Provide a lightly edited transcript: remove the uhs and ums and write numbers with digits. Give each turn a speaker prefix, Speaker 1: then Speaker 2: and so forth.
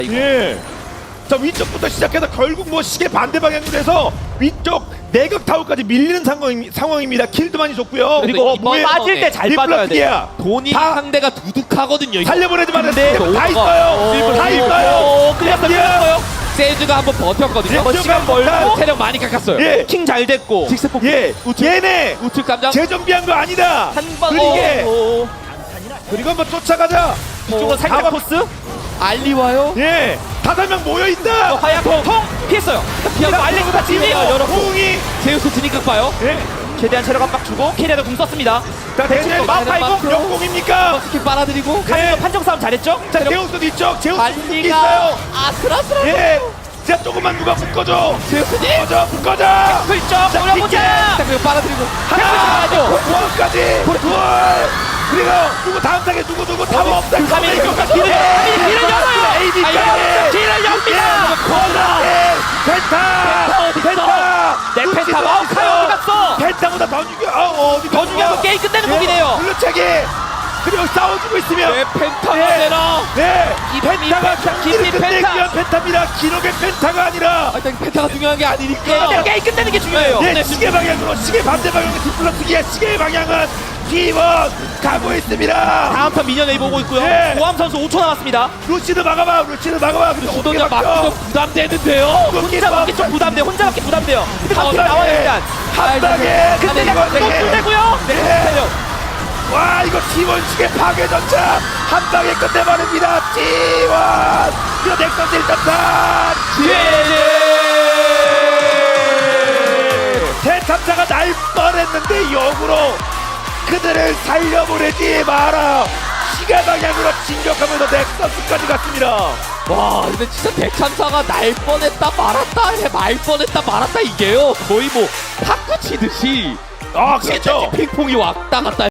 Speaker 1: 예. 자 위쪽부터 시작해서 결국 뭐 시계 반대 방향으로 해서 위쪽 내각 타워까지 밀리는 상황입니다. 킬도 많이 줬고요.
Speaker 2: 그리고
Speaker 1: 뭐에
Speaker 2: 빠질 때 잘 빠져야 돼.
Speaker 3: 돈이
Speaker 1: 다
Speaker 3: 상대가 두둑하거든요. 이거.
Speaker 1: 살려보내지 말아요.
Speaker 2: 근데
Speaker 1: 다 있어요. 다 있어요.
Speaker 2: 끌렸어요.
Speaker 3: 세즈가 한번 버텼거든요.
Speaker 1: 한번 시간
Speaker 3: 벌고 체력 많이 깎았어요.
Speaker 1: 예.
Speaker 2: 킹 잘 됐고.
Speaker 3: 직세폭.
Speaker 1: 예. 얘네
Speaker 3: 우측 감장.
Speaker 1: 재정비한 거 아니다.
Speaker 2: 한방
Speaker 1: 그리게 그리고 한번 쫓아가자.
Speaker 2: 이쪽으로 살짝 코스.
Speaker 3: 알리 와요.
Speaker 1: 예. 5명 모여 있다.
Speaker 2: 화약 통 피했어요. 피하고 알렉스가 진입.
Speaker 1: 호응이
Speaker 3: 제우스 드니까 봐요.
Speaker 1: 예.
Speaker 2: 최대한 체력 압박 주고 캐리어도 궁 썼습니다.
Speaker 1: 자 대체
Speaker 2: 마우카이고
Speaker 1: 역공입니까?
Speaker 3: 스킬 빨아들이고.
Speaker 1: 네.
Speaker 2: 판정 싸움 잘했죠?
Speaker 1: 자 제우스도 있죠. 제우스
Speaker 3: 알리가
Speaker 1: 있어요.
Speaker 3: 아슬아슬하고.
Speaker 1: 예. 자 조금만 누가 묶어줘.
Speaker 3: 제우스님.
Speaker 1: 묶어줘.
Speaker 2: 풀점
Speaker 1: 자,
Speaker 2: 올려보자.
Speaker 3: 자 그리고 빨아들이고.
Speaker 1: 하나,
Speaker 3: 하죠.
Speaker 1: 두까지 둘. 그리고 누구 다음 장에 누구 타워 없다.
Speaker 2: 카밀
Speaker 1: 길을
Speaker 2: 열어요.
Speaker 1: AB까지
Speaker 2: 길을 엽니다.
Speaker 1: 펜타.
Speaker 2: 내 펜타 마우카이 어디 갔어?
Speaker 1: 펜타보다 더 중요. 어디
Speaker 2: 더 중요한 건 게임 끝내는 곡이네요.
Speaker 1: 블루체기. 그리고 싸워주고 있으면
Speaker 3: 내 펜타가
Speaker 1: 예.
Speaker 3: 되나?
Speaker 1: 네.
Speaker 2: 이
Speaker 1: 펜타가
Speaker 2: 펜타,
Speaker 1: 경기를
Speaker 2: 이
Speaker 1: 끝내기
Speaker 2: 펜타.
Speaker 1: 위한 펜타입니다. 기록의 펜타가 아니라
Speaker 3: 일단 펜타가 중요한 게 아니니까.
Speaker 2: 게임 끝내는 게 중요해요.
Speaker 1: 예, 시계 방향으로 시계 반대 방향의 디플러스기의 시계 방향은 T1 가고 있습니다.
Speaker 2: 다음 턴 미녀 웨이 보고 있고요.
Speaker 1: 네.
Speaker 2: 고함 선수 5초 남았습니다.
Speaker 1: 루시드 막아봐. 근데
Speaker 3: 수동자 막기도 부담되는데요.
Speaker 2: 혼자 맞기 좀 부담돼. 혼자 맞기 부담돼요. 근데
Speaker 1: 한
Speaker 2: 갑자기
Speaker 1: 방에,
Speaker 2: 나와요 일단.
Speaker 1: 한 방에
Speaker 2: 근데
Speaker 1: 이거
Speaker 2: 또 끝내고요.
Speaker 1: 네. 와 이거 T1 시계 파괴 전차 한 방에 끝내버립니다. T1 이거 넥서스 1.4 대참사가 날 뻔했는데 역으로 그들을 살려보내지 마라. 시계 방향으로 진격하면서 넥서스까지 갔습니다.
Speaker 3: 와 근데 진짜 대참사가 날 뻔했다 말았다 말 뻔했다 말았다 이게요. 거의 뭐 탁구 치듯이
Speaker 1: 아 그렇죠.
Speaker 3: 핑퐁이 왔다 갔다